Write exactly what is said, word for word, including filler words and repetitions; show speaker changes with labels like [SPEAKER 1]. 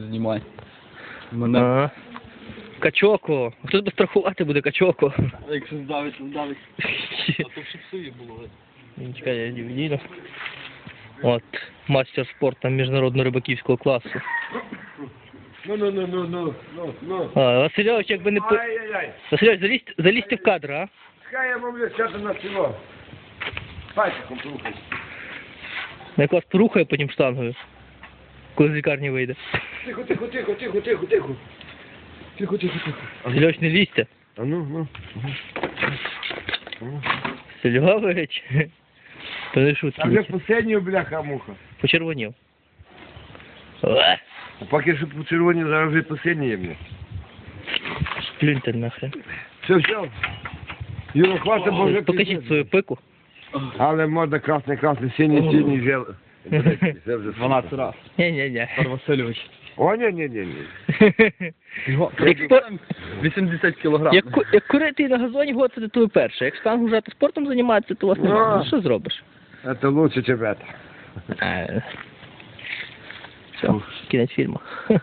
[SPEAKER 1] знімай. Мене.
[SPEAKER 2] Ага. Качоко. Хто тебе страхувати буде, Качоко?
[SPEAKER 1] Якщо здавить, здавить. А то все псує було.
[SPEAKER 2] Чекай, я не видів. От, мастер спорту міжнародного рибаківського класу.
[SPEAKER 3] Ну, ну, ну, ну, ну, ну, ну.
[SPEAKER 2] А, Васильович, якби не... по-
[SPEAKER 3] Ай-яй-яй.
[SPEAKER 2] Васильович, залізьте, залізьте в кадр, а?
[SPEAKER 3] Хай я мовлю, сяду на село. Пальчиком порухай.
[SPEAKER 2] Я вас порухаю потім штангою, коли з лікарні вийде.
[SPEAKER 3] Тихо, тихо, тихо, тихо, тихо, тихо. Тихо, тихо, тихо.
[SPEAKER 2] Васильович, не лізьте.
[SPEAKER 3] А ну, ну. Ага.
[SPEAKER 2] Васильович. То не
[SPEAKER 3] А вже
[SPEAKER 2] шутки.
[SPEAKER 3] последнього бляха-муха.
[SPEAKER 2] Почервонів. Е,
[SPEAKER 3] А поки що по червоні, зараз вже последнє є мені.
[SPEAKER 2] Плюньте нахрен.
[SPEAKER 3] Все, все. Юра, хватить, бо вже
[SPEAKER 2] Покажіть
[SPEAKER 3] пізно.
[SPEAKER 2] свою пику.
[SPEAKER 3] Але можна красний, красний, синій, синій, жел. Це вже
[SPEAKER 1] дванадцять раз.
[SPEAKER 2] Ні-ні-ні.
[SPEAKER 1] Петр Васильович.
[SPEAKER 3] О, ні, ні, ні, ні.
[SPEAKER 2] Як, спор...
[SPEAKER 1] вісімдесят кілограм.
[SPEAKER 2] як, ку- як курити на газоні, го, це то перше. Як штангу жати спортом займатися, то у вас немає.
[SPEAKER 3] Ну.
[SPEAKER 2] Ну, що зробиш?
[SPEAKER 3] Це лучше, чем это.
[SPEAKER 2] Е, Все, кінець фільму.